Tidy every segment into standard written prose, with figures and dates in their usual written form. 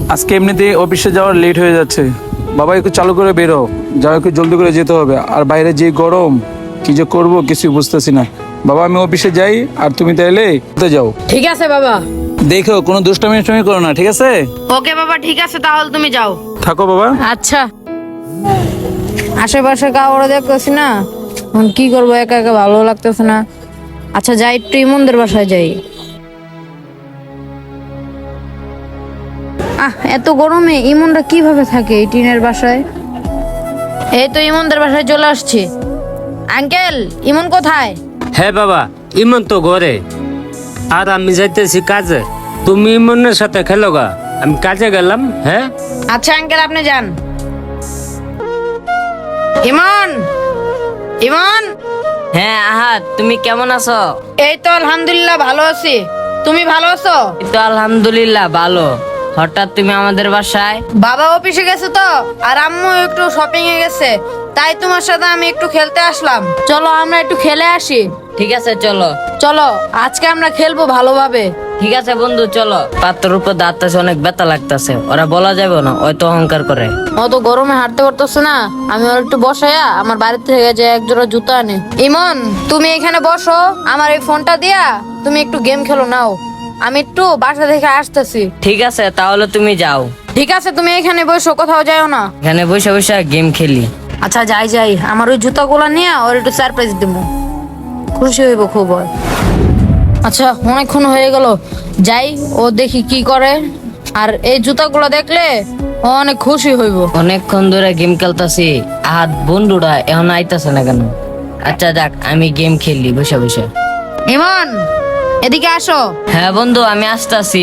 আজকে এমনিতে অফিসে যাওয়ার লেট হয়ে যাচ্ছে। বাবা একটু চালু করে বেরো, যাও একটু জলদি করে যেতে হবে। আর বাইরে যে গরম, কি যে করবো কিছুই বুঝতেছি না। বাবা আমি অফিসে যাই, আর তুমি তাইলে যাও। ঠিক আছে বাবা। দেখো কোনো দুষ্টামি করো না, ঠিক আছে? ওকে বাবা, ঠিক আছে, তাহলে তুমি যাও। থাকো বাবা। আচ্ছা। আশেপাশে কাউরে দেখতেছি না, এখন কি করবো, একা একা ভালো লাগতেছে না। আচ্ছা যাই, একটু ইমনদের বাসায় যাই। এত গরমে ইমনরা কিভাবে থাকে এই টিনের বাসায়? এই তো ইমনদের বাসায় চলে আসছি। আঙ্কেল, ইমন কোথায়? হ্যাঁ বাবা, ইমন তো ঘরে, আর আমি যাইতেছি কাজে। তুমি ইমনের সাথে খেলো গা, আমি কাজে গেলাম। হ্যাঁ আচ্ছা আঙ্কেল, আপনি যান। ইমন, ইমন। হ্যাঁ আহাদ, তুমি কেমন আছো? এই তো আলহামদুলিল্লাহ ভালো আছি। তুমি ভালো আছো? এই তো আলহামদুলিল্লাহ ভালো। হঠাৎ তুমি আমাদের বাসায়? বাবা অফিসে গেছে তো, আর আম্মু একটু শপিং এ গেছে, তাই তোমার সাথে আমি একটু খেলতে আসলাম। চলো আমরা একটু খেলে আসি। ঠিক আছে চলো। চলো আজকে আমরা খেলবো ভালোভাবে। ঠিক আছে বন্ধু, চলো। পাত্রের উপর দাঁড়াতেছে, অনেক ব্যথা লাগতেছে, ওরা বলা যাবে না, ওই তো অহংকার করে। অত গরমে হাঁটতে পারতেছে না, আমি ওর একটু বসাইয়া আমার বাড়ি থেকে যে এক জোড়া জুতা আনে। ইমন, তুমি এখানে বসো, আমার এই ফোনটা দিয়া তুমি একটু গেম খেলো নাও, আমি একটু বাসা থেকে আসতেছি। ঠিক আছে তাহলে তুমি যাও। ঠিক আছে, তুমি এখানে বসো, কোথাও যাও না। এখানে বসে বসে গেম খেলি। আচ্ছা যাই যাই, আমার ওই জুতাগুলো নিয়ে ওর একটু সারপ্রাইজ দিব, খুশি হইব খুব ওর। আচ্ছা অনেকক্ষণ হয়ে গেল, যাই ও দেখি কি করে। আর এই জুতাগুলো দেখলে ও অনেক খুশি হইব। অনেকক্ষণ ধরে গেম খেলতেছি, আহাদ বন্ধুরা এখন আইতাছে না কেন? আচ্ছা যাক, আমি গেম খেলি বসে বসে। ইমন, এদিকে আসো। হ্যাঁ বন্ধু, আমি আসতেছি।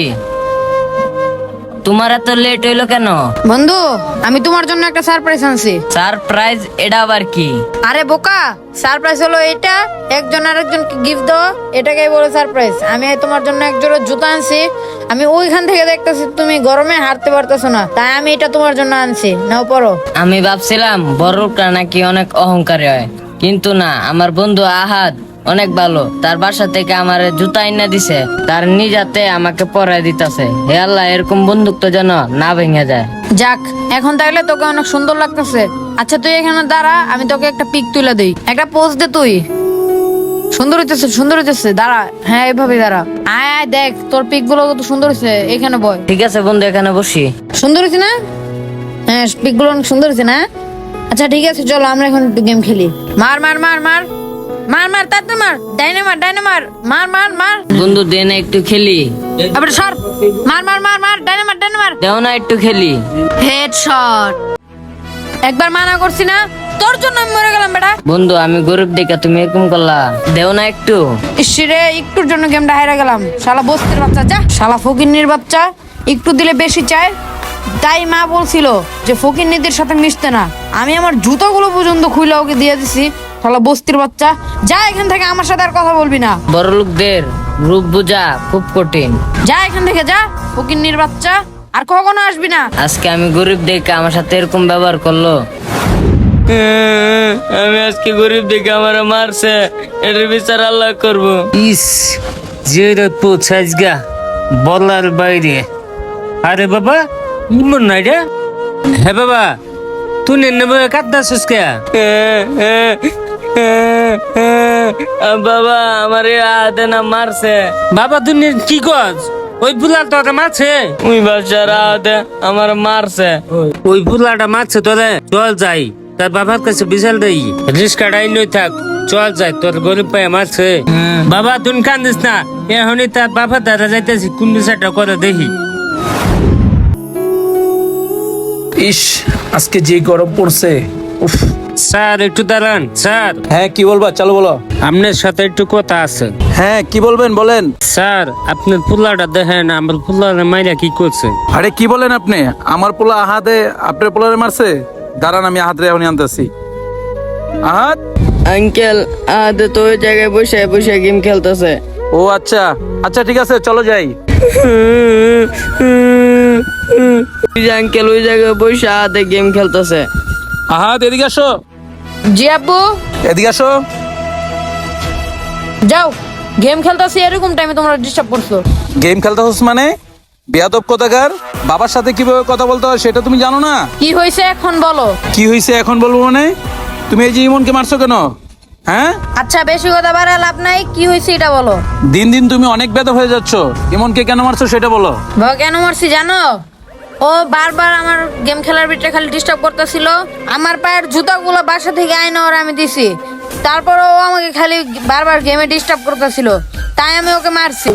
তোমার এত লেট হইলো কেন? বন্ধু, আমি তোমার জন্য একটা সারপ্রাইজ আনছি। সারপ্রাইজ? এটা আবার কি? আরে বোকা, সারপ্রাইজ হলো এটা, একজন আরেকজনকে গিফট দাও, এটাকেই বলে সারপ্রাইজ। আমি তোমার জন্য এক জোড়া জুতা আনছি। আমি ওইখান থেকে দেখতেছি তুমি গরমে হাঁটতে পারতেছো না, তাই আমি এটা তোমার জন্য আনছি, নাও পরো। আমি ভাবছিলাম বড় লোকটা নাকি অনেক অহংকারী হয়, কিন্তু না, আমার বন্ধু আহাদ অনেক ভালো। তার বাসা থেকে আমার জুতা আইনা দিছে, তার নিজাতে আমাকে পরাই দিতেছে। হে আল্লাহ, এরকম বন্দুক তো যেন না ভেঙে যায়। যাক, এখন তাহলে তোকে অনেক সুন্দর লাগতেছে। আচ্ছা তুই এখানে দাঁড়া, আমি তোকে একটা পিক তুলে দিই, একটা পোজ দে তুই। সুন্দর হইতেছে, সুন্দর হইতেছে, দাঁড়া। হ্যাঁ এইভাবে দাঁড়া, আয় আয়, দেখ তোর পিক গুলো কত সুন্দর হয়েছে। এখানে বয়। ঠিক আছে বন্ধু, এখানে বসি। সুন্দর হয়েছে না? হ্যাঁ, পিক গুলো অনেক সুন্দর হয়েছে না? আচ্ছা ঠিক আছে, চলো আমরা এখন একটু গেম খেলি। মার মার মার মার মার মার, তাড়াতাড়ি মার, ডাইনে মার, ডাইনে মার, মার মার মার। বন্ধু দে না একটু খেলি। আবার সর, মার মার মার মার, ডাইনে মার, ডাইনে মার। দেও না একটু খেলি। হেডশট। একবার মানা করছি না, তোর জন্য আমি মরে গেলাম বেটা। বন্ধু আমি গরিব দেখে তুমি এরকম করলা, দেও না একটু। ইসরে, একটুর জন্য গেমটা হেরে গেলাম। শালা বস্তির বাচ্চা, যা শালা ফকিন্নির বাচ্চা, একটু দিলে বেশি চায়। তাই মা বলছিল যে ফকিন্নিদের সাথে মিশতে না। আমি আমার জুতোগুলো পর্যন্ত খুলে ওকে দিয়ে দিছি। শালা বস্তির বাচ্চা, যা এখান থেকে, আমার সাথে আর কথা বলবি না। বড় লোকদের রূপ বোঝা খুব কঠিন। যা এখান থেকে, যা ফকিন্নির বাচ্চা, আর কখনো আসবি না। আজকে আমি গরিব দেখে আমার সাথে এরকম ব্যবহার করলো। আমি আজকে গরিব দেখে আমার মারছে, এর বিচার আল্লাহ করবো। ইস, যে পৌঁছাইস গা বলার বাইরে। আরে বাবা, ইমন নাই রে? হ্যাঁ বাবা, তুই নেবে কাঁদাছিস কে? বাবা আমার হাতে না মারছে। বাবা তুই কি কস? ওই বুলাটা তোরা মারছে? ওই বাচ্চার হাতে আমার মারছে। ওই বুলাটা মারছে তোরে? চল যাই, তার বাবার কাছে বিশাল দেই, রিস্কাটাই নই থাক, চল যাই, তোর গরিব পায়ে মারছে। বাবা তুই কান্দিস না, এখনই তার বাবা দাদা যাইতেছি, কোন বিষয়টা করে দেখি। ইস, আজকে যে গরম পড়ছে, উফ। স্যার একটু দাঁড়ান। স্যার। হ্যাঁ কি বলবা, চালু বলো। আপনার সাথে একটু কথা আছে। হ্যাঁ কি বলবেন, বলেন। স্যার আপনার পুলাটা দেখেন, আমার পুলার মাইরা কি করছে। আরে কি বলেন আপনি? আমার পোলা আহাদে আপনার পোলারে মারছে? দাঁড়ান, আমি আহাদ রে এখনই আনতেছি। আহাদ। আঙ্কেল আদে তো ওই জায়গায় বসে বসে গেম খেলতেছে। ও আচ্ছা আচ্ছা, ঠিক আছে চলো যাই। আঙ্কেল ওই জায়গায় বসে আদে গেম খেলতেছে। আহাদ এদিকে আসো। জি আব্বু। এদিকে আসো। যাও, গেম খেলতেছি, এরকম টাইমে তোমরা ডিস্টার্ব করছো। গেম খেলতে হস মানে? বেয়াদব কোথাকার, বাবার সাথে কিভাবে কথা বলতে হয় সেটা তুমি জানো না? কি হয়েছে এখন বলো? কি হয়েছে এখন বলবো মানে? তুমি এই যে ইমনকে মারছো কেন? হ্যাঁ, আচ্ছা বেশি কথা বাড়ায় লাভ নাই, কি হয়েছে এটা বলো। দিন দিন তুমি অনেক বেয়াদব হয়ে যাচ্ছ। ইমনকে কেন মারছো সেটা বলো। বাবা কেন মারছি জানো? ও বারবার আমার গেম খেলার ভিতরে খালি ডিস্টার্ব করতেছিল। আমার পায়ের জুতাগুলো বাসা থেকে আইনা ওর আমি দিছি, তারপর ও আমাকে খালি বারবার গেমে ডিস্টার্ব করতেছিল, তাই আমি ওকে মারছি।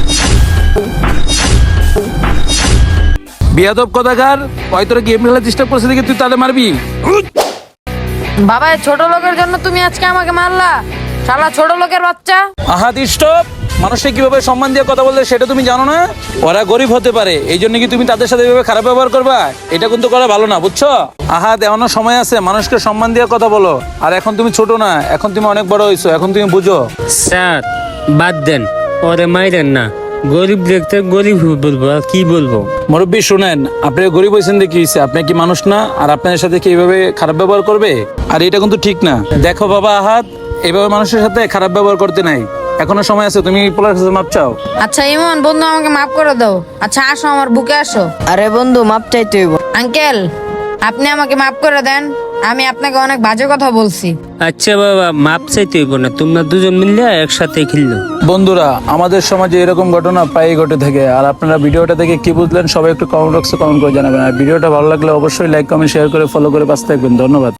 বেয়াদব কোথাকার, হয়তো গেম খেলা ডিস্টার্ব করছে দেখে তুই তাহলে মারবি? বাবা এই ছোট লোকের জন্য তুমি আজকে আমাকে মারলা, শালা ছোট লোকের বাচ্চা। আহাদ স্টপ। মানুষকে কিভাবে সম্মান দিয়ে কথা বলতে সেটা তুমি জানো না? ওরা গরিব হতে পারে, এই জন্য কি তুমি তাদের সাথে এভাবে খারাপ ব্যবহার করবা? এটা কিন্তু করা ভালো না, বুঝছো? আহাদ এখনো সময় আছে, মানুষকে সম্মান দিয়ে কথা বলো। আর এখন তুমি ছোট না, এখন তুমি অনেক বড় হয়েছো, এখন তুমি বুঝো। স্যার বাদ দেন, ওরে মাইরেন না। গরিব দেখতে গরিব বলবো, আর কি বলবো? মুরব্বী শুনেন, আপনি গরিব হয়েছেন দেখি হয়েছে, আপনি কি মানুষ না? আর আপনার সাথে কি এইভাবে খারাপ ব্যবহার করবে? আর এটা কিন্তু ঠিক না। দেখো বাবা আহাদ, এইভাবে মানুষের সাথে খারাপ ব্যবহার করতে নাই, এখনো সময় আছে, তুমি পোলার কাছে মাপ চাও। আচ্ছা ইমন বন্ধু আমাকে মাফ করে দাও। আচ্ছা আসো আমার বুকে আসো। আরে বন্ধু মাপ চাইতে হইব। আঙ্কেল আপনি আমাকে মাফ করে দেন, আমি আপনাকে অনেক বাজে কথা বলছি। আচ্ছা বাবা, মাপ চাইতে হইব না, তোমরা দুজন মিললে একসাথে খেললো। বন্ধুরা, আমাদের সমাজে এরকম ঘটনা প্রায়ই ঘটে থাকে। আর আপনারা ভিডিওটা দেখে কি বুঝলেন সবাই একটু কমেন্ট বক্সে কমেন্ট করে জানাবেন। আর ভিডিওটা ভালো লাগলে অবশ্যই লাইক কমেন্ট শেয়ার করে ফলো করে পাশে থাকবেন। ধন্যবাদ।